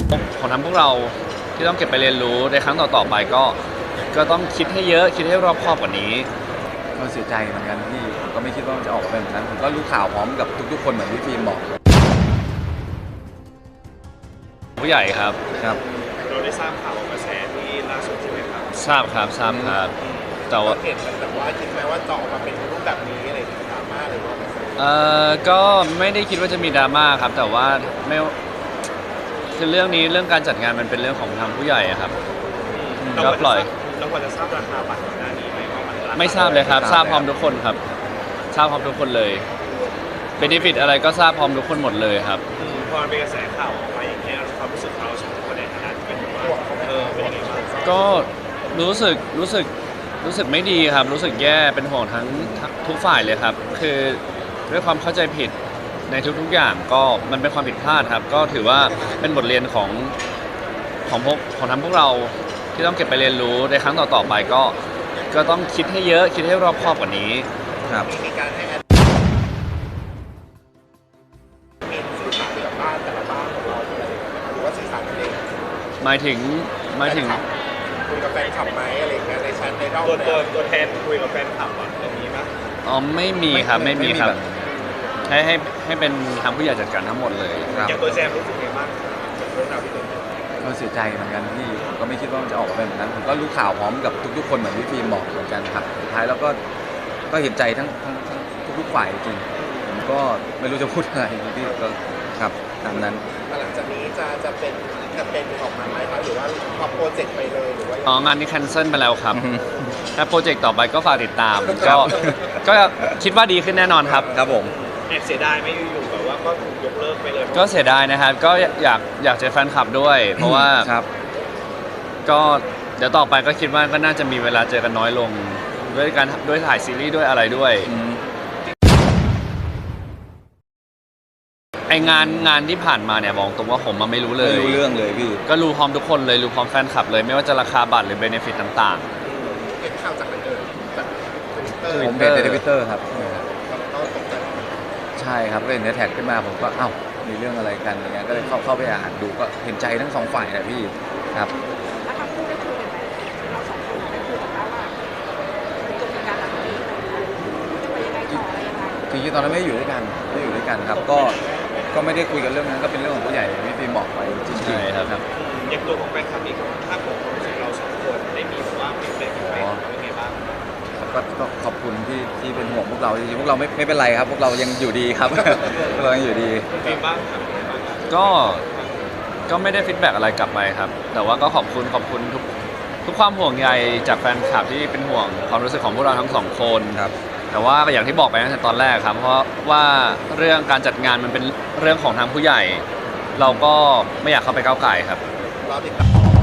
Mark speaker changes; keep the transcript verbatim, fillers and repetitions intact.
Speaker 1: ของทั้งพวกเราที่ต้องเก็บไปเรียนรู้ในครั้งต่อๆไปก็ก็ต้องคิดให้เยอะคิดให้รอบคอบกว่านี้
Speaker 2: ก็เสียใจเหมือนกันที่ผมก็ไม่คิดว่ามันจะออกมาเป็นแบบนั้นผมก็รู้ข่าวพร้อมกับทุกๆคนเหมือนที่ฟิล์มบอก
Speaker 1: ผู้ใหญ่ครับ
Speaker 3: ครับเราได้ทราบข่าวกระแสที่ล่าสุดใช่ไหมครับ
Speaker 1: ทราบครับทราบครับแต่ว่า
Speaker 3: เห็นแต่ว่าคิดไหมว่าจะออกมาเป็นรูปแบบนี้อะไรดราม่าหรือว่า
Speaker 1: เอ่อก็ไม่ได้คิดว่าจะมีดราม่าครับแต่ว่าไม่คือเรื่องนี้เรื่องการจัดงานมันเป็นเรื่องของทางผู้ใหญ่ครับก็ปล่อย
Speaker 3: เราควรจะทราบราคาบัตรก่อนหน้านี้ไหมว่ามัน
Speaker 1: ไม่ทราบเลยครับทราบพร้อมทุกคนครับทราบพร้อมทุกคนเลยเบนฟิตอะไรก็ทราบพร้อมทุกคนหมดเลยครับ
Speaker 3: พอเป็นกระแสข่าวออกมาอย่างนี้ความรู้สึกเราสองคนในฐานะที่เป็นว่าเออเป็นยังไงบ้าง
Speaker 1: ก็รู้สึกรู้สึกรู้สึกไม่ดีครับรู้สึกแย่เป็นห่วงทั้งทุกฝ่ายเลยครับคือด้วยความเข้าใจผิดในทุกๆอย่างก็มันเป็นความผิดพลาดครับก็ถือว่าเป็นบทเรียนของของพวกของทั้งพวกเราที่ต้องเก็บไปเรียนรู้ในครั้งต่อๆไปก็ก็ต้องคิดให้เยอะคิดให้รอบคอบกว่านี้
Speaker 2: ครับ
Speaker 3: มีการให้มีสื่อสารกับบ้านแต่ละบ้านของเราหรือว่าสื่อสารกันเอง
Speaker 1: หมายถึงหมายถึง
Speaker 3: คุยกับแฟนคลับไหมอะไรเงี้ยในแชทในรอบตัวตัวตัวแทนคุยกับแฟนคลับอ่ะตรงนี้มั้ย
Speaker 1: อ๋อไม่มีครับไม่มีครับให้ให้ให้เป็นทางผู้ใหญ่จัดการทั้งหมดเลย
Speaker 3: อย่างตัวแซมรู้สึกไงบ้างเรื่องราวที่เกิดขึ้น
Speaker 2: ก็เสียใจเหมือนกันที่ผมก็ไม่คิดว่ามันจะออกมาเป็นแบบนั้นผมก็รู้ข่าวพร้อมกับทุกๆคนเหมือนที่ฟิล์มบอกเหมือนกันครับสุดท้ายแล้วก็ก็เห็นใจทั้งทั้งทุกๆฝ่ายจริงผมก็ไม่รู้จะพูดอะไรที่ก็ครับตามนั้น
Speaker 3: หลังจากนี้จะจะเป็นแคมเปญออกมาไหมครับหรือว่าพอโปรเจกต์ไปเลยหรือว่า
Speaker 1: อ๋องานนี้แคนเซิลไปแล้วครับถ้าโปรเจกต์ต่อไปก็ฝากติดตามก็ก็คิดว่าดีขึ้นแน่นอนครับ
Speaker 2: ครับผม
Speaker 3: แอบเสียดายไม่อยู่ๆแบบว่าก็ถูกยกเลิกไปเลย
Speaker 1: ก็เสียดายนะครับก็อยากอยากเจอแฟนคลับด้วย เพราะว่าก็เดี๋ยวต่อไปก็คิดว่าก็น่าจะมีเวลาเจอกันน้อยลงด้วยการด้วยถ่ายซีรีส์ด้วยอะไรด้วยไองานงานที่ผ่านมาเนี่ยบอกตรงว่าผมมาไม่รู้เลย
Speaker 2: ไม่รู้เรื่องเลยพี่
Speaker 1: ก็รู้พร้อมทุกคนเลยรู้พร้อมแฟนคลับเลยไม่ว่าจะราคาบัตรหรือเบเนฟิตต่าง
Speaker 3: ๆเห็นข่าวจากไหนเอ่ยจากทวิตเตอร์
Speaker 2: ผมเป็นทวิตเตอร์ครับใช่ครับก็เห็นแท็กขึ้นมาผมก็เอ้ามีเรื่องอะไรกันอย่างเงี้ยก็เลยเข้าเข้าไปอ่านดูก็เห็นใจทั้งสองฝ่ายนะพี่ครับ
Speaker 4: แล้วทั้งคู่ได้คุยกันไหมเราสองคนได้คุยกันว่าจบการหลังนี้จะไปยังไงต่ออะไรยังไง
Speaker 2: จริงๆตอนนั้นไม่อยู่ด้วยกันไม่อยู่ด้วยกันครับก็ก็ไม่ได้คุยกันเรื่องนั้นก็เป็นเรื่องของผู้ใหญ่ที่ฟิล์มบอกไปจริงๆครับ
Speaker 3: อย่างตัวของแฟนคลับนี่ถ้าผมรู้สึกเราสองคนได้มีแบบว่าเป็นแบบไหนเป็นไงบ้าง
Speaker 2: ก็ขอบคุณที่ที่เป็นห่วงพวกเราจริงๆพวกเราไม่ไม่เป็นไรครับพวกเรายังอยู่ดีครับพวกเรายังอยู่ดี
Speaker 3: ฟิล์มบ้าง
Speaker 1: ก็ก็ไม่ได้ฟีดแบ็กอะไรกลับไปครับแต่ว่าก็ขอบคุณขอบคุณทุกทุกความห่วงใยจากแฟนคลับที่เป็นห่วงความรู้สึกของพวกเราทั้งสองคน
Speaker 2: ครับ
Speaker 1: แต่ว่าอย่างที่บอกไปตั้งแต่ตอนแรกครับเพราะว่าเรื่องการจัดงานมันเป็นเรื่องของทางผู้ใหญ่เราก็ไม่อยากเข้าไปก้าวไก่ครับ
Speaker 3: รอติดตาม